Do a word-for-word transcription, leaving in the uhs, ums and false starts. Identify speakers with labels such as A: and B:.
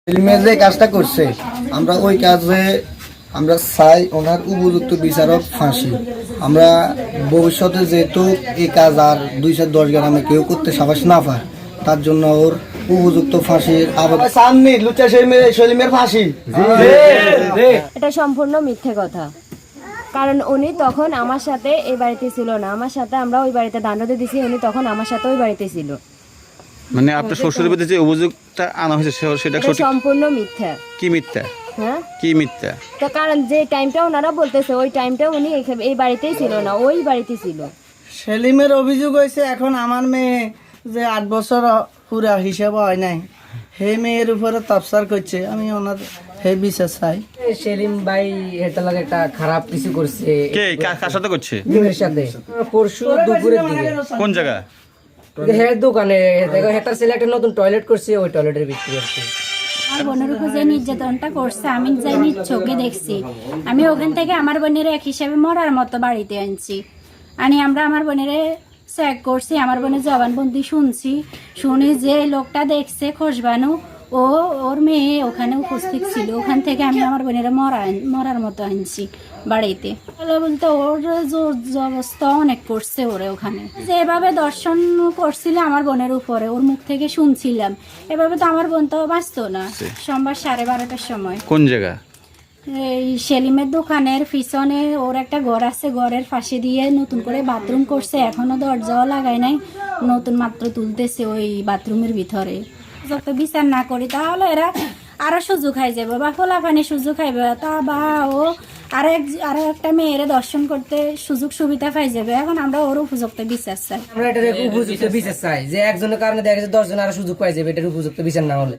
A: সেলিমের যে কাজটা করছে আমরা ওই কাজে আমরা চাই ওনার উপযুক্ত বিচারক ফাঁসি। আমরা ভবিষ্যতে যেহেতু এই কাজ আর দুই চার দশ গ্রামে কেউ করতে সাহস না পায়, তার জন্য ওর উপযুক্ত ফাঁসির আবেদন। সামনে লুচা সেলিমের ফাঁসি।
B: এটা সম্পূর্ণ মিথ্যে কথা, কারণ উনি তখন আমার সাথে এই বাড়িতে ছিল না। আমার সাথে আমরা ওই বাড়িতে দাণ্ডতে দিছি, উনি তখন আমার সাথে ওই বাড়িতে ছিল।
C: মানে আপনার শ্বশুরের বিরুদ্ধে যে অভিযোগটা আনা হয়েছে সেটা
B: এটা সম্পূর্ণ মিথ্যা।
C: কি মিথ্যা?
B: হ্যাঁ,
C: কি মিথ্যা?
B: তো কারণ যে টাইমটা ওনারা বলতেছে ওই টাইমটা উনি এই বাড়িতেই ছিল না, ওই বাড়িতে ছিল।
D: সেলিমের অভিযোগ হয়েছে এখন আমার মেয়ে যে আট বছর পুরা হিসাব হয় নাই, হে মেয়ের উপরে তাপসার করছে। আমি ওনার হে বিচার চাই।
E: সেলিম ভাই এটা লাগে একটা খারাপ কিছু করছে।
C: কে কার সাথে করছে?
E: মেয়ের সাথে পরশু দুপুরের দিকে
C: কোন জায়গা?
E: হ্যাঁ দোকানে দেখো একটা ছেলে একটা নতুন টয়লেট করছে, ওই টয়লেটের ভিতরে আর কি।
F: আমার বোনের উপর যে নির্যাতনটা করছে আমি যাই নিজ চোখে দেখছি। আমি ওখান থেকে আমার বোনের এক হিসাবে মরার মতো বাড়িতে আনছি। আনি আমরা আমার বোনের চেক করছি, আমার বোনের জবানবন্দি শুনছি। শুনি যে লোকটা দেখছে খোঁজবানু, ও ওর মেয়ে ওখানে উপস্থিত ছিল। ওখান থেকে আমি আমার বোনের মরা মরার মতো আনছি বাড়িতে। বলতে ওর জোর জবস্থা অনেক করছে ওরে ওখানে। যেভাবে দর্শন করছিল আমার বোনের উপরে, ওর মুখ থেকে শুনছিলাম। এভাবে তো আমার বোন তো বাঁচতো না। সোমবার সাড়ে বারোটার সময়
C: কোন জায়গা?
F: এই সেলিমের দোকানের পিছনে ওর একটা ঘর আছে, ঘরের পাশে দিয়ে নতুন করে বাথরুম করছে, এখনো দরজাও লাগায় নাই, নতুন মাত্র তুলতেছে ওই বাথরুমের ভিতরে। যত বিচার না করি তাহলে এরা আরো সুযোগ খাই যাবে বা ফোলাফানি সুযোগ খাইবে, তা বা ও আরো এক আরো একটা মেয়ের দর্শন করতে সুযোগ সুবিধা পাই যাবে। এখন আমরা ওর উপযুক্ত বিচার চাই।
E: আমরা এটার উপযুক্ত বিচার চাই, যে একজনের কারণে দেখা যাচ্ছে দশ জন আরো সুযোগ পাই যাবে, এটার উপযুক্ত বিচার না হলে।